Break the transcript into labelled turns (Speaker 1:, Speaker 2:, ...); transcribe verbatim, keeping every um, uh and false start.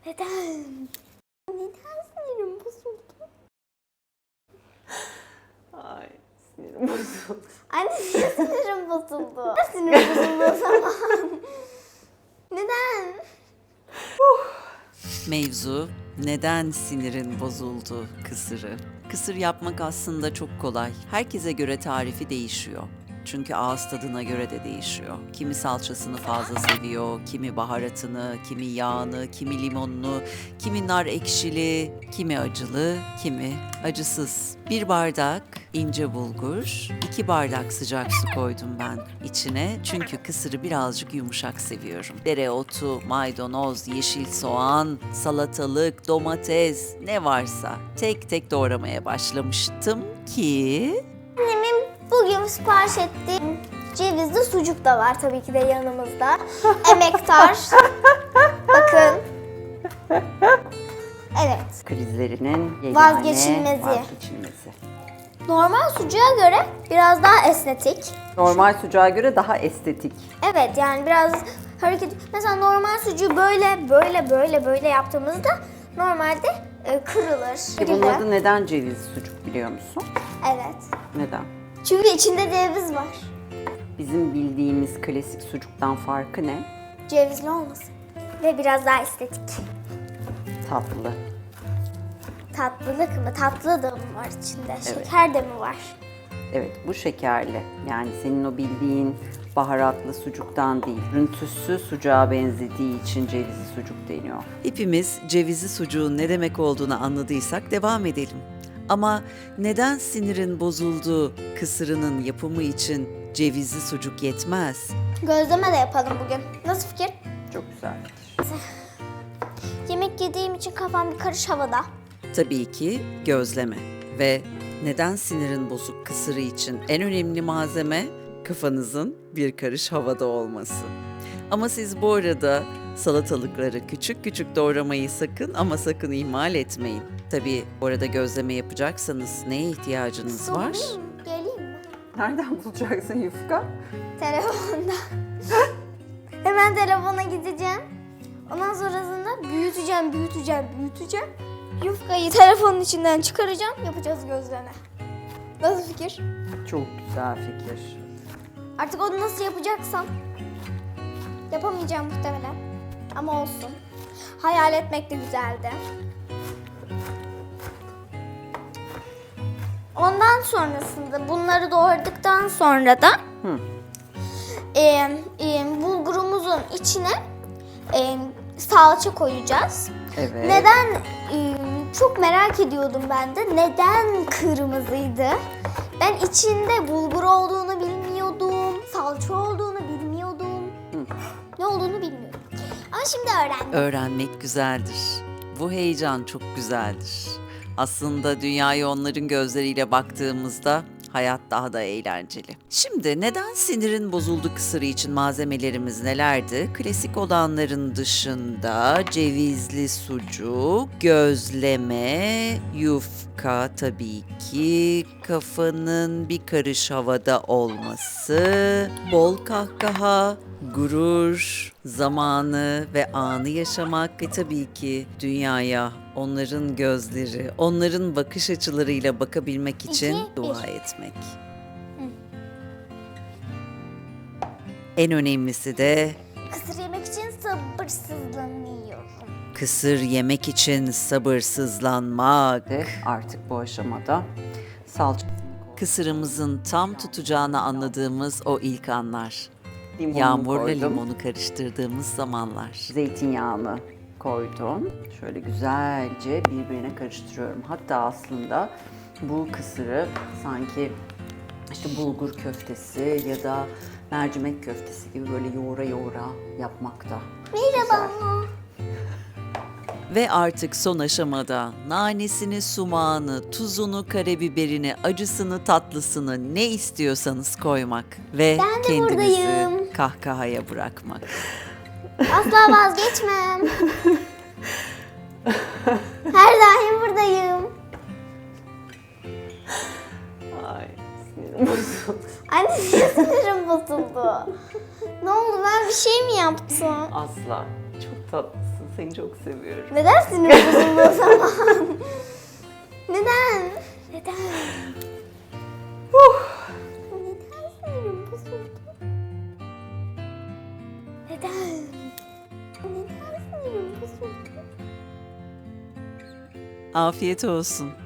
Speaker 1: Neden? Neden sinirim bozuldu?
Speaker 2: Ay sinirim bozuldu.
Speaker 1: Anne niye sinirim bozuldu? Neden sinirim bozuldu o zaman? Neden?
Speaker 2: Mevzu neden sinirin bozuldu kısırı. Kısır yapmak aslında çok kolay. Herkese göre tarifi değişiyor. Çünkü ağız tadına göre de değişiyor. Kimi salçasını fazla seviyor, kimi baharatını, kimi yağını, kimi limonunu, kimi nar ekşili, kimi acılı, kimi acısız. Bir bardak ince bulgur, iki bardak sıcak su koydum ben içine. Çünkü kısırı birazcık yumuşak seviyorum. Dereotu, maydanoz, yeşil soğan, salatalık, domates ne varsa tek tek doğramaya başlamıştım ki...
Speaker 1: Annemin bugün sipariş ettiği cevizli sucuk da var tabii ki de yanımızda. Emektar. Bakın. Evet.
Speaker 2: Krizlerinin yegane
Speaker 1: Vazgeçilmezi.
Speaker 2: vazgeçilmezi.
Speaker 1: Normal sucuğa göre biraz daha esnetik.
Speaker 2: Normal sucuğa göre daha estetik.
Speaker 1: Evet yani biraz hareket... Mesela normal sucuğu böyle böyle böyle böyle yaptığımızda normalde e, kırılır.
Speaker 2: Peki bunun adı neden ceviz sucuk biliyor musun?
Speaker 1: Evet.
Speaker 2: Neden?
Speaker 1: Çünkü içinde ceviz var.
Speaker 2: Bizim bildiğimiz klasik sucuktan farkı ne?
Speaker 1: Cevizli olmasın. Ve biraz daha estetik.
Speaker 2: Tatlı.
Speaker 1: Tatlılık mı? Tatlı da mı var içinde? Şeker de mi var?
Speaker 2: Evet, bu şekerli. Yani senin o bildiğin baharatlı sucuktan değil. Rüntüsü sucuğa benzediği için cevizli sucuk deniyor. Hepimiz cevizli sucuğun ne demek olduğunu anladıysak devam edelim. Ama neden sinirin bozulduğu kısırının yapımı için cevizli sucuk yetmez?
Speaker 1: Gözleme de yapalım bugün. Nasıl fikir?
Speaker 2: Çok güzel.
Speaker 1: Yemek yediğim için kafam bir karış havada.
Speaker 2: Tabii ki gözleme. Ve neden sinirin bozuk kısırı için en önemli malzeme kafanızın bir karış havada olması. Ama siz bu arada salatalıkları küçük küçük doğramayı sakın ama sakın ihmal etmeyin. Tabii bu arada gözleme yapacaksanız neye ihtiyacınız var?
Speaker 1: Sorayım mı? Geleyim mi?
Speaker 2: Nereden bulacaksın yufka?
Speaker 1: Telefonda. Hemen telefona gideceğim. Ondan sonrasında büyüteceğim, büyüteceğim, büyüteceğim. Yufkayı telefonun içinden çıkaracağım, yapacağız gözleme. Nasıl fikir?
Speaker 2: Çok güzel fikir.
Speaker 1: Artık onu nasıl yapacaksam yapamayacağım muhtemelen. Ama olsun. Hayal etmek de güzeldi. Ondan sonrasında bunları doğradıktan sonra da
Speaker 2: Hı.
Speaker 1: e, e, bulgurumuzun içine e, salça koyacağız.
Speaker 2: Evet.
Speaker 1: Neden e, çok merak ediyordum ben de. Neden kırmızıydı? Ben içinde bulgur olduğunu bilmiyordum. Salça olduğunu bilmiyordum.
Speaker 2: Hı.
Speaker 1: Ne olduğunu bilmiyordum. Ama şimdi öğrendim.
Speaker 2: Öğrenmek güzeldir. Bu heyecan çok güzeldir. Aslında dünyaya onların gözleriyle baktığımızda hayat daha da eğlenceli. Şimdi neden sinirin bozuldu kısırı için malzemelerimiz nelerdi? Klasik olanların dışında cevizli sucuk, gözleme, yufka tabii ki, kafanın bir karış havada olması, bol kahkaha, gurur, zamanı ve anı yaşamak ve tabii ki dünyaya onların gözleri, onların bakış açılarıyla bakabilmek için
Speaker 1: İki,
Speaker 2: dua
Speaker 1: bir.
Speaker 2: etmek. En önemlisi de
Speaker 1: Kısır yemek için sabırsızlanıyorum.
Speaker 2: kısır yemek için sabırsızlanmak. Artık bu aşamada salça. Kısırımızın tam tutacağını anladığımız o ilk anlar.
Speaker 3: Limonunu
Speaker 2: Yağmurla
Speaker 3: koydum.
Speaker 2: limonu karıştırdığımız zamanlar.
Speaker 3: Zeytinyağını koydum. Şöyle güzelce birbirine karıştırıyorum. Hatta aslında bu kısırı sanki işte bulgur köftesi ya da mercimek köftesi gibi böyle yoğura yoğura yapmakta.
Speaker 1: Merhaba.
Speaker 2: Ve artık son aşamada nanesini, sumağını, tuzunu, karabiberini, acısını, tatlısını ne istiyorsanız koymak ve
Speaker 1: Ben de
Speaker 2: kendinizi
Speaker 1: buradayım.
Speaker 2: kahkahaya bırakmak.
Speaker 1: Asla vazgeçmem. Her daim buradayım.
Speaker 3: Ay sinirim bozuldu.
Speaker 1: Anne niye sinirim bozuldu? Ne oldu, ben bir şey mi yaptım?
Speaker 3: Asla. Çok tatlısın. tatlısın. Seni çok seviyorum.
Speaker 1: Neden sinirim bozuldu o zaman? Neden? Neden? Neden sinirim bozuldu? Neden? Neden sinirim bozuldu?
Speaker 2: Afiyet olsun.